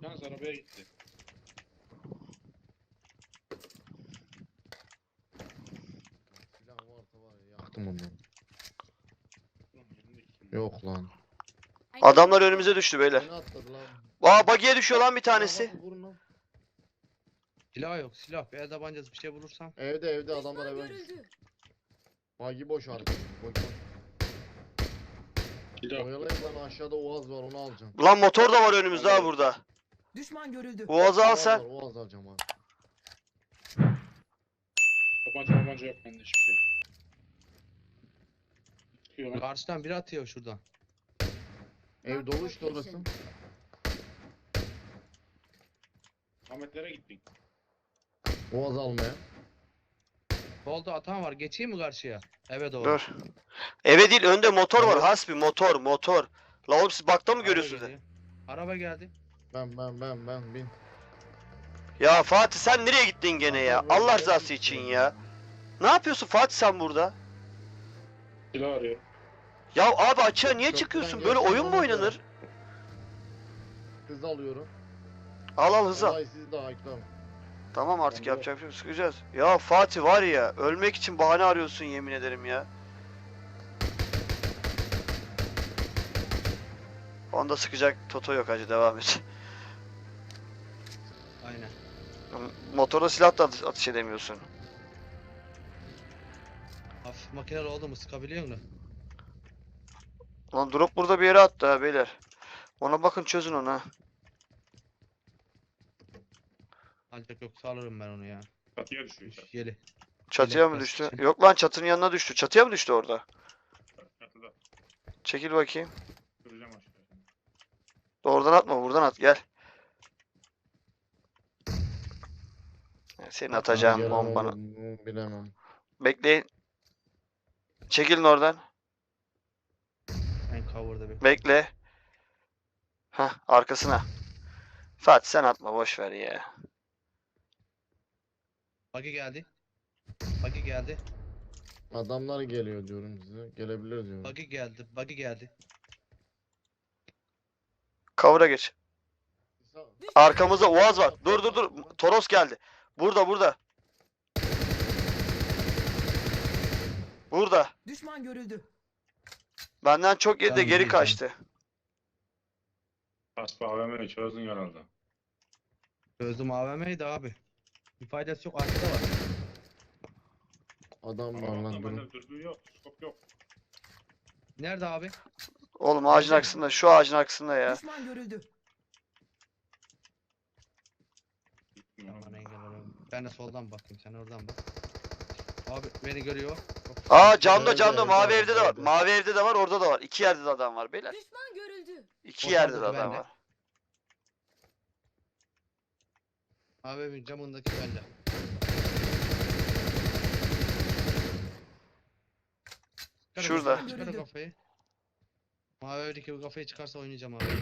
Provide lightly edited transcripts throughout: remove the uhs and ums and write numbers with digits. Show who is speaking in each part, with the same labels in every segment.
Speaker 1: Yalnız arabaya gitti.
Speaker 2: Silah varsa var ya, yaktım onu.
Speaker 1: Ulan yanındaki kim?
Speaker 2: Yok lan.
Speaker 3: Adamlar önümüze düştü beyler.
Speaker 2: Beni atladı lan.
Speaker 3: Aa buggy'e düşüyor lan bir
Speaker 2: Silah
Speaker 3: tanesi.
Speaker 2: varsa vurun lan.
Speaker 4: Silah yok silah. Bir el tabancası bir şey bulursam.
Speaker 2: Evde adamlar eve
Speaker 5: görüldü.
Speaker 2: Bagi boş artık. Boş.
Speaker 1: Silah.
Speaker 2: Oyalayın lan, aşağıda Oğaz var, onu alacağım.
Speaker 3: Lan motor da var önümüzde ha burada.
Speaker 5: Düşman görüldü.
Speaker 3: Boğazı al
Speaker 2: Oğaz
Speaker 3: sen.
Speaker 2: var, Oğaz alacağım abi.
Speaker 1: Tabanca yok bende hiçbir şey. Çıkıyor lan.
Speaker 4: Karşıdan biri atıyor şuradan.
Speaker 2: Ev dolu işte orası.
Speaker 1: Ahmetlere gittin.
Speaker 2: Oğaz almaya.
Speaker 4: Solda atan var. Geçeyim mi karşıya? Eve doğru.
Speaker 3: Dur. Eve değil önde motor var.
Speaker 2: Evet.
Speaker 3: Hasbi motor. La oğlum siz bakta mı
Speaker 4: Araba
Speaker 3: görüyorsunuz?
Speaker 4: geliyor. Araba geldi.
Speaker 2: Ben bin.
Speaker 3: Ya Fatih sen nereye gittin gene ya?
Speaker 2: Adam böyle
Speaker 3: Allah
Speaker 2: geldi
Speaker 3: rızası
Speaker 2: işte
Speaker 3: için
Speaker 2: ya.
Speaker 3: ya. Ne yapıyorsun Fatih sen burada?
Speaker 1: Silah arıyor.
Speaker 3: Ya abi açığa niye
Speaker 2: Köprüden
Speaker 3: çıkıyorsun? Böyle
Speaker 2: geçtim
Speaker 3: oyun mu
Speaker 2: ama
Speaker 3: oynanır?
Speaker 2: Hız alıyorum.
Speaker 3: Al hızlı al.
Speaker 2: Olay sizde Ayklam.
Speaker 3: Tamam artık
Speaker 1: Bende
Speaker 3: yapacak bir şey yok. Sıkacağız. Ya Fatih var ya ölmek için bahane arıyorsun yemin ederim ya. Onda sıkacak Toto yok hacı devam et.
Speaker 4: Aynen.
Speaker 3: Motorla silah da atış edemiyorsun.
Speaker 4: Hafif makineli oldu mu sıkabiliyor musun?
Speaker 3: Lan drop burada bir yere attı ha beyler. Ona bakın çözün onu ha.
Speaker 4: Ancak yoksa alırım ben onu ya.
Speaker 1: Katıya düşüyor işte.
Speaker 4: Yeli.
Speaker 3: Çatıya mı
Speaker 4: Biraz
Speaker 3: düştü?
Speaker 4: için.
Speaker 3: Yok lan çatının yanına düştü. Çatıya mı düştü orada?
Speaker 1: Çatıda.
Speaker 3: Çekil bakayım.
Speaker 1: Süreceğim aşağıya.
Speaker 3: Oradan atma buradan at gel. Senin atacağın
Speaker 2: Gelen
Speaker 3: bombanı.
Speaker 2: olur mu bilemem.
Speaker 3: Bekleyin. Çekilin oradan.
Speaker 4: En cover'da bir.
Speaker 3: Bekle. Hah arkasına. Fatih sen atma boş ver ya.
Speaker 4: Buggy geldi. Buggy geldi.
Speaker 2: Adamlar geliyor diyorum size. Gelebilir diyorum.
Speaker 4: Buggy geldi. Buggy geldi.
Speaker 3: Kavura geç.
Speaker 2: Sağ-
Speaker 3: Arkamızda Oğaz var. Dur. Toros geldi. Burada. Burada.
Speaker 5: Düşman görüldü.
Speaker 3: Benden çok yedi de
Speaker 4: Tamam,
Speaker 3: geri
Speaker 4: iyi,
Speaker 3: kaçtı.
Speaker 1: Aspa AVM'yi çözdün herhalde.
Speaker 4: Çözdüm AVM'ydi abi. Bir faydası yok. Arkada var.
Speaker 2: Adam var
Speaker 1: Ama
Speaker 2: lan durun.
Speaker 1: bende dürbün yok. Skop yok.
Speaker 4: Nerede abi?
Speaker 3: Oğlum ağacın arkasında. Şu ağacın arkasında ya.
Speaker 5: Düşman görüldü.
Speaker 4: Aman engel olayım. Ben de soldan bakayım. Sen oradan bak. Abi beni görüyor.
Speaker 3: Aa camda
Speaker 2: Evde,
Speaker 3: mavi
Speaker 2: evde
Speaker 3: evde de var.
Speaker 2: evde.
Speaker 3: Mavi evde de var orada da var. İki yerde de adam var beyler.
Speaker 5: Düşman görüldü.
Speaker 3: İki
Speaker 4: O
Speaker 3: yerde de
Speaker 4: saldırı
Speaker 3: adam
Speaker 4: bende.
Speaker 3: var.
Speaker 4: Abi camındaki bende. Çıkar
Speaker 3: Şurada.
Speaker 4: kafayı, Çıkar o kafayı. Mavi evdeki bu kafayı çıkarsa oynayacağım abi.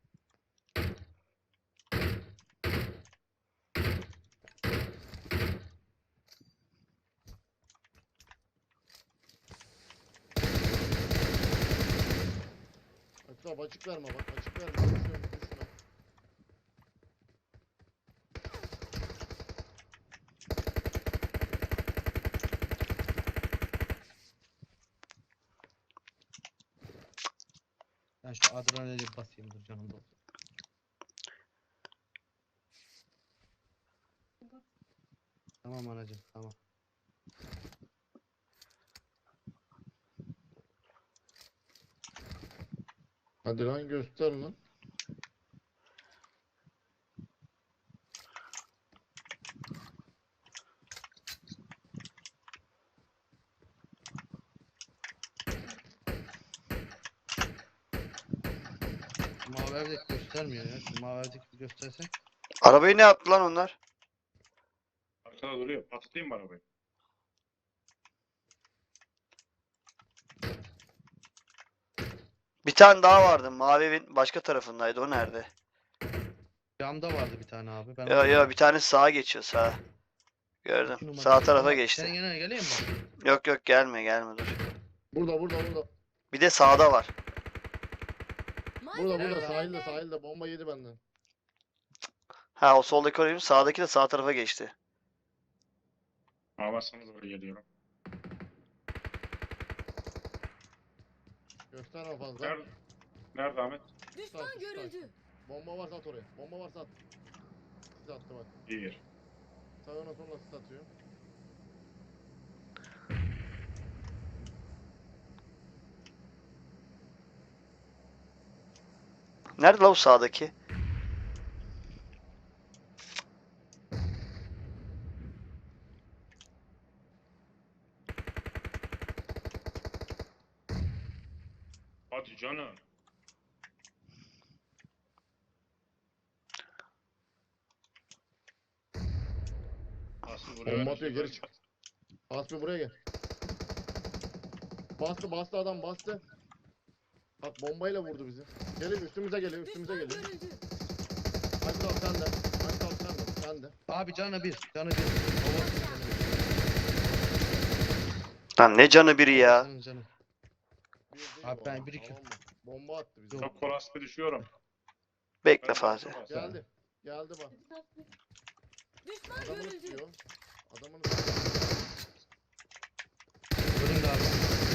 Speaker 2: Ayklam açık verme bak, açık verme. Düşüyorum, düşme.
Speaker 4: Ben şu adrenalin basayım dur canım da. Tamam anacığım tamam.
Speaker 2: Hadi lan göster lan.
Speaker 4: Mavi evdeki göstermiyor ya. Şu mavi evdeki bir gösterse.
Speaker 3: Arabayı ne yaptı lan onlar?
Speaker 1: Arkada duruyor. Patlatayım mı arabayı?
Speaker 3: Bir tane daha vardı. Mavi evin başka tarafındaydı. O nerede?
Speaker 4: Camda vardı bir tane abi. Ben
Speaker 3: Ya bir tane sağa geçiyor sağa. Gördüm.
Speaker 4: İki numara.
Speaker 3: Sağ tarafa
Speaker 4: Tamam,
Speaker 3: geçti.
Speaker 4: Senin yanına geleyim mi?
Speaker 3: Yok gelme dur.
Speaker 2: Burada.
Speaker 3: Bir de sağda var.
Speaker 2: Burada
Speaker 5: Malzeme
Speaker 2: sahilde bomba yedi benden.
Speaker 3: Ha, o soldaki oraya, sağdaki de sağ tarafa geçti.
Speaker 1: Ağlarsanız oraya geliyorum.
Speaker 2: Gösterme fazla.
Speaker 1: Nerede? Nerede Ahmet?
Speaker 5: Düşman
Speaker 2: Taş, taş.
Speaker 5: görüldü.
Speaker 2: Bomba varsa at oraya. Bomba varsa at. Sis attı bak.
Speaker 1: Bir.
Speaker 2: Sağına sonra sis atıyor.
Speaker 3: Nerede la o sağdaki?
Speaker 1: Hadi canım. Aslı buraya
Speaker 2: Bomba
Speaker 1: ver,
Speaker 2: atıyor,
Speaker 1: şuraya
Speaker 2: geri çık. Hasbi buraya gel. Bastı adam bastı. Bak bombayla vurdu bizi. Geliyor üstümüze geliyor üstümüze
Speaker 5: Düşman
Speaker 2: geliyor.
Speaker 5: görüldü.
Speaker 2: Hadi al sen de. Hadi al sen de.
Speaker 4: Abi canı bir. Canı bir. Babasının canı bir.
Speaker 3: Lan ne canı biri ya.
Speaker 4: Babasının canı.
Speaker 2: Bir değil
Speaker 4: Abi
Speaker 2: bu
Speaker 4: ben
Speaker 2: adam,
Speaker 4: bir iki-
Speaker 2: tamam mı? Bomba attı bize.
Speaker 1: Çok kolaslı düşüyorum.
Speaker 3: Bekle
Speaker 1: Ben
Speaker 3: Fatih.
Speaker 1: de-
Speaker 2: Geldi. Geldi bak.
Speaker 5: Düşman
Speaker 2: Adamını
Speaker 5: görüldü.
Speaker 2: tutuyor. Adamını tutuyor.
Speaker 4: Önümde abi.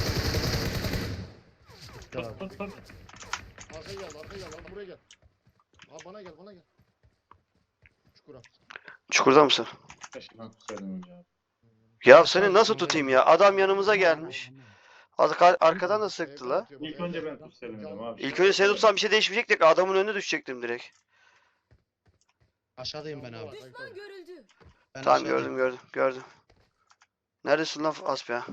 Speaker 4: Bitti
Speaker 1: Tut
Speaker 4: abi.
Speaker 1: tut tut.
Speaker 2: Arkaya gel lan buraya gel. Abi bana gel. Çukura.
Speaker 3: Çukurda mısın?
Speaker 1: Keşke ben tutsaydım önce abi.
Speaker 3: Ya seni nasıl tutayım ya? Adam yanımıza gelmiş. Arkadan da sıktı
Speaker 2: Evden
Speaker 3: la.
Speaker 2: tutuyor, bak,
Speaker 1: İlk önce
Speaker 2: evden.
Speaker 1: ben tutsaydım dedim abi.
Speaker 3: İlk önce seni tutsam bir şey değişmeyecekti ki, adamın önüne düşecektim direkt.
Speaker 4: Aşağıdayım ben abi.
Speaker 5: Düşman görüldü.
Speaker 4: Ben
Speaker 3: Tamam,
Speaker 4: aşağıdayım.
Speaker 3: gördüm. Neredesin lan Asp ya?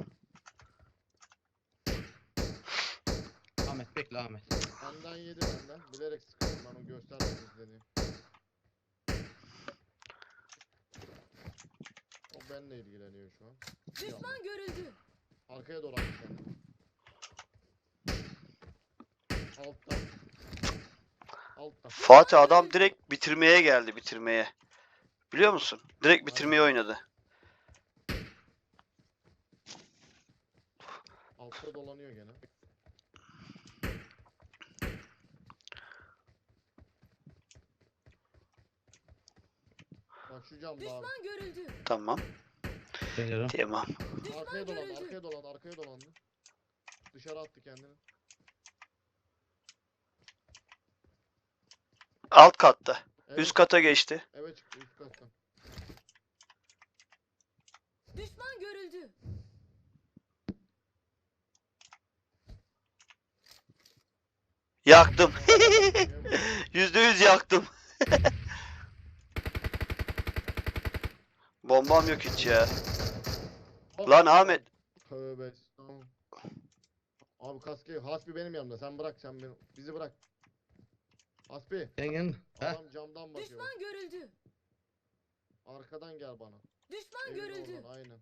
Speaker 4: Ahmet bekle Ahmet.
Speaker 2: Benden yedi benden. Bilerek sıkıyorum ben o göstermek istediğim. O benimle ilgileniyor şu an.
Speaker 5: Düşman görüldü.
Speaker 2: Arkaya doğru attı kendini. Altta. Altta.
Speaker 3: Fatih, adam direkt bitirmeye geldi, bitirmeye. Biliyor musun? Direkt bitirmeye oynadı.
Speaker 2: Altta dolanıyor gene. Bak şu camda abi.
Speaker 5: Düşman görüldü.
Speaker 3: Tamam.
Speaker 4: Geliyorum.
Speaker 3: Tamam.
Speaker 5: Düşman
Speaker 2: Arkaya dolandı,
Speaker 5: görüldü.
Speaker 2: arkaya dolandı. Dışarı attı kendini.
Speaker 3: Alt katta.
Speaker 2: Evet,
Speaker 3: Üst kata geçti.
Speaker 2: eve çıktı üst kattan.
Speaker 5: Düşman görüldü.
Speaker 3: Yaktım.
Speaker 2: Eve-
Speaker 3: %100 yaktım. Bombam yok hiç ya. Lan Ahmet.
Speaker 2: Tövbe estağfurullah. Abi kaskı Hasbi benim yanımda. Sen bırak sen beni. Bizi bırak. Hasbi.
Speaker 4: Gel gel. Heh.
Speaker 2: Adam camdan bakıyor.
Speaker 5: Düşman görüldü.
Speaker 2: Arkadan gel bana.
Speaker 5: Düşman
Speaker 2: Evin
Speaker 5: görüldü.
Speaker 2: oradan aynen.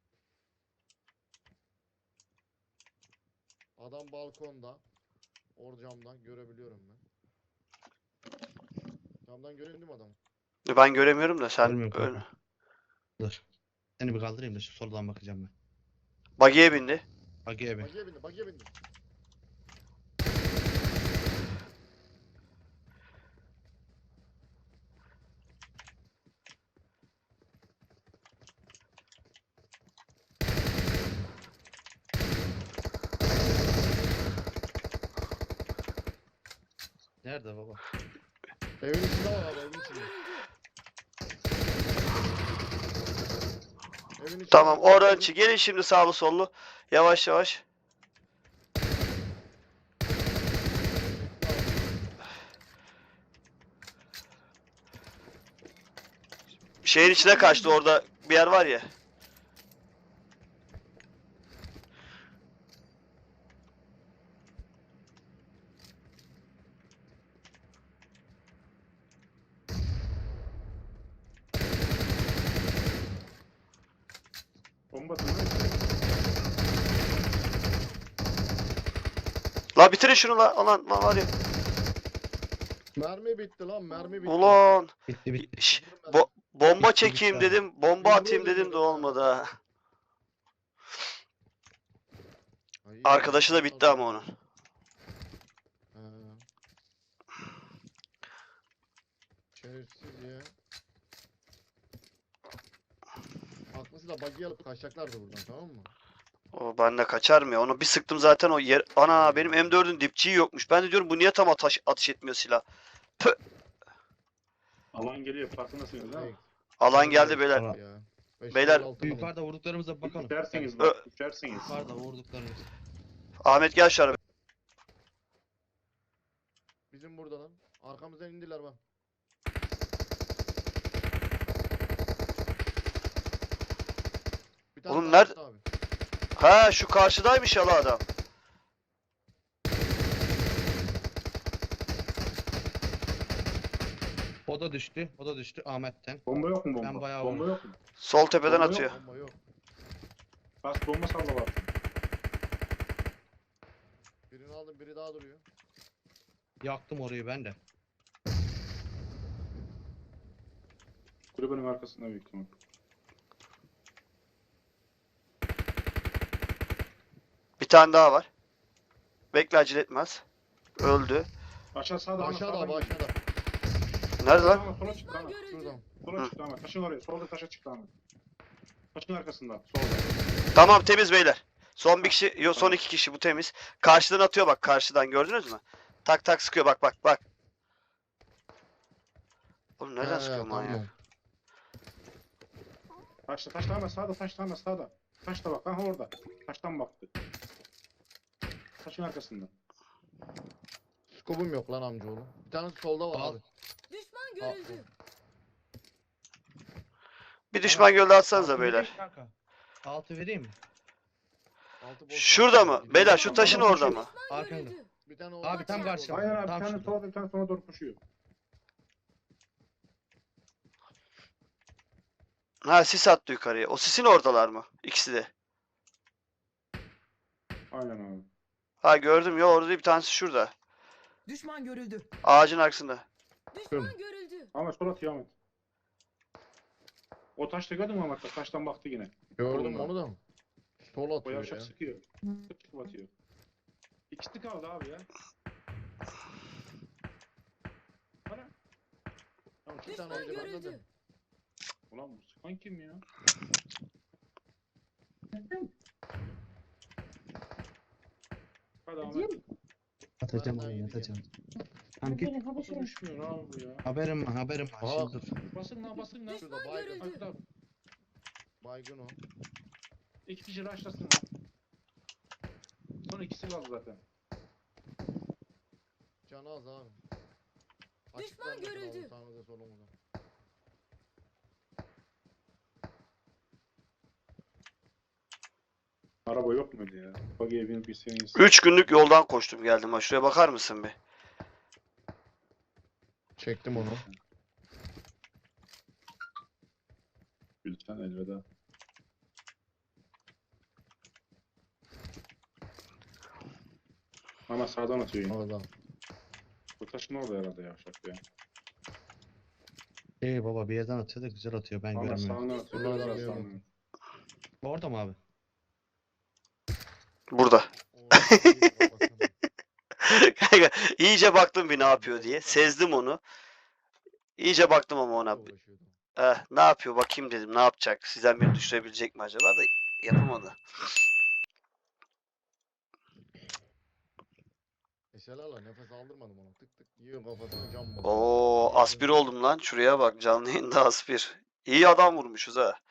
Speaker 2: Adam balkonda. Or camdan görebiliyorum ben. Camdan görüyor değil mi adamı?
Speaker 3: Ben göremiyorum da sen
Speaker 4: Görmüyorum
Speaker 3: öyle.
Speaker 4: kanka. Dur. Seni bir kaldırayım da şu soldan bakacağım ben.
Speaker 3: Buggy'e bindi.
Speaker 4: Bagiye bir.
Speaker 2: Bagiye bindi.
Speaker 4: Nerede baba?
Speaker 2: Evin içinde var abi evin içinde. Evin içinde.
Speaker 3: Tamam, orançı. Gelin şimdi sağlı sollu. Yavaş yavaş. Şehir içine kaçtı, orada bir yer var ya.
Speaker 1: Bomba duruyor.
Speaker 3: La bitirin şunu la. Lan var ya.
Speaker 2: Mermi bitti lan mermi bitti.
Speaker 3: Ulan.
Speaker 4: Bitti bitti.
Speaker 3: Şş,
Speaker 2: Öldürün beni.
Speaker 3: bomba
Speaker 4: Bitti,
Speaker 3: çekeyim
Speaker 4: bitti abi.
Speaker 3: dedim. Bomba
Speaker 2: Yumruğu
Speaker 3: atayım dedim de
Speaker 2: öldürdüm
Speaker 3: olmadı ha.
Speaker 2: Ay,
Speaker 3: Arkadaşı da bitti ama onun.
Speaker 2: Ha. Şerefsiz ya. tanesi de buggy alıp kaçacaklardı buradan, tamam mı?
Speaker 3: O bende kaçar mı ya? Onu bir sıktım zaten o yer. Ana benim M4'ün dipçiği yokmuş. Ben de diyorum bu niye tam atış etmiyor silah.
Speaker 1: Alan geliyor. Farkındasınız değil mi?
Speaker 3: Alan geldi beyler.
Speaker 4: Alan.
Speaker 2: Ya.
Speaker 3: Beyler,
Speaker 4: Yukarıda vurduklarımıza bakalım.
Speaker 1: Düşersiniz bak. Düşersiniz.
Speaker 4: Yukarıda vurduklarımız.
Speaker 3: Ahmet gel şu araba.
Speaker 2: Bizim burada lan. Arkamızdan indiler bak. Bir tane
Speaker 3: Oğlum
Speaker 2: daha
Speaker 3: nerede-
Speaker 2: attı abi.
Speaker 3: Ha şu karşıdaymış ya la adam.
Speaker 4: O da düştü. O da düştü Ahmet'ten.
Speaker 1: Bomba yok mu bomba?
Speaker 4: Ben bayağı
Speaker 1: Bomba
Speaker 4: vurdum.
Speaker 1: yok mu?
Speaker 3: Sol tepeden
Speaker 1: Bomba yok.
Speaker 3: atıyor.
Speaker 2: Bomba yok.
Speaker 1: Bas bomba salla bak.
Speaker 2: Birini aldım, biri daha duruyor.
Speaker 4: Yaktım orayı ben de.
Speaker 1: Kulübenin arkasında büyük ihtimal.
Speaker 3: Bir tane daha var. Bekle acele etmez. Öldü.
Speaker 1: Aşağı sağda.
Speaker 2: Aşağıda abi, aşağıda.
Speaker 3: Nerede lan?
Speaker 1: Ama sola çıktı
Speaker 5: Düşman
Speaker 1: ama.
Speaker 5: görüldü.
Speaker 2: Şuradan.
Speaker 1: Sola çıktı ama. Taşın oraya. Solda taşa çıktı ama. Taşın arkasında. Solda.
Speaker 3: Tamam temiz beyler. Son bir kişi, yok son iki kişi bu temiz. Karşıdan atıyor bak karşıdan gördünüz mü? Tak tak sıkıyor bak bak bak. Oğlum nereden
Speaker 2: He,
Speaker 3: sıkıyor manyak?
Speaker 2: tamam.
Speaker 1: Taşta ama sağda taşta sağda. Taşta bak. Ha orada. Taştan baktı. Taşın arkasında.
Speaker 2: Skobum yok lan amcaoğlu. Bir tanesi solda var
Speaker 4: Al.
Speaker 2: abi.
Speaker 5: Düşman görüldü.
Speaker 3: Bir düşman gölde atsanıza
Speaker 4: Altı
Speaker 3: beyler.
Speaker 4: vereyim kanka. Altı vereyim mi?
Speaker 2: Altı boş
Speaker 3: Şurada
Speaker 2: var.
Speaker 3: mı? Beyler şu taşın
Speaker 1: Tamam,
Speaker 3: orada mı?
Speaker 5: Düşman
Speaker 4: Arkanda.
Speaker 5: görüldü.
Speaker 2: Bir tane
Speaker 4: Abi tam karşı.
Speaker 1: Aynen abi. Bir
Speaker 4: Tam
Speaker 1: tane
Speaker 4: şurada.
Speaker 1: sola bir tane sola doğru koşuyor.
Speaker 3: Ha sis attı yukarıya. O sisin oradalar mı? İkisi de.
Speaker 1: Aynen abi.
Speaker 3: Ha gördüm ya orada değil, bir tanesi şurada.
Speaker 6: Düşman görüldü.
Speaker 3: Ağacın arkasında.
Speaker 5: Düşman görüldü.
Speaker 1: Ama sol atıyor Ahmet. O taşta gördün mü Ahmet? Taştan baktı yine.
Speaker 2: Gördüm
Speaker 1: Solunda.
Speaker 2: onu da. Sol
Speaker 1: O
Speaker 2: atıyor
Speaker 1: yavşak
Speaker 2: ya.
Speaker 1: sıkıyor. Sık sık batıyor. İkisi kaldı abi ya. Ana.
Speaker 2: Tamam, iki
Speaker 5: Düşman
Speaker 2: tane yedi benden de.
Speaker 5: görüldü.
Speaker 1: Ulan bu sıkan kim ya? Hadi Ahmet.
Speaker 4: Atacağım
Speaker 2: Ben
Speaker 4: orayı
Speaker 2: daha
Speaker 4: atacağım. Tamam git.
Speaker 1: Nasıl düşmüyor abi bu ya?
Speaker 4: Haberim var haberim var.
Speaker 2: Aha.
Speaker 4: Şimdi dur.
Speaker 1: Basın lan basın lan.
Speaker 2: Şurada
Speaker 5: Düşman
Speaker 2: baygın.
Speaker 1: Hadi
Speaker 5: görüldü.
Speaker 1: abi.
Speaker 2: Baygın o.
Speaker 1: İki kişi raşlasın lan. Son ikisi kaldı zaten.
Speaker 2: Canı az abi.
Speaker 5: Düşman
Speaker 2: Açıklar mesela
Speaker 5: görüldü.
Speaker 2: abi, sağınıza solunuza.
Speaker 1: Araba yok muydu ya? Buggy'e binip bir
Speaker 3: 3 günlük yoldan koştum geldim ha. Şuraya bakar mısın bir?
Speaker 2: Çektim onu.
Speaker 1: Lütfen elveda. Ama sağdan atıyor yine.
Speaker 2: Orada.
Speaker 1: Bu taşın orada herhalde yavşak ya.
Speaker 4: Baba bir yerden atıyor da güzel atıyor ben
Speaker 1: Ama
Speaker 4: göremiyorum.
Speaker 1: sağdan atıyor.
Speaker 2: Buradan
Speaker 1: Biraz
Speaker 2: atıyor.
Speaker 1: sağdan.
Speaker 4: Orada mı abi?
Speaker 3: Burada.
Speaker 2: Orada iyi de bakalım.
Speaker 3: Kanka iyice baktım bir ne yapıyor diye. Sezdim onu. İyice baktım ama ona.
Speaker 2: Uğraşıyordu.
Speaker 3: Ne yapıyor bakayım dedim. Ne yapacak? Sizden beni düşürebilecek mi acaba da yapamadı.
Speaker 2: Eşelerle nefes aldırmadım ona. Tık tık yiyor kafasına cam basıyor.
Speaker 3: Oo aspir oldum lan. Şuraya bak canlı yayında aspir. İyi adam vurmuşuz ha.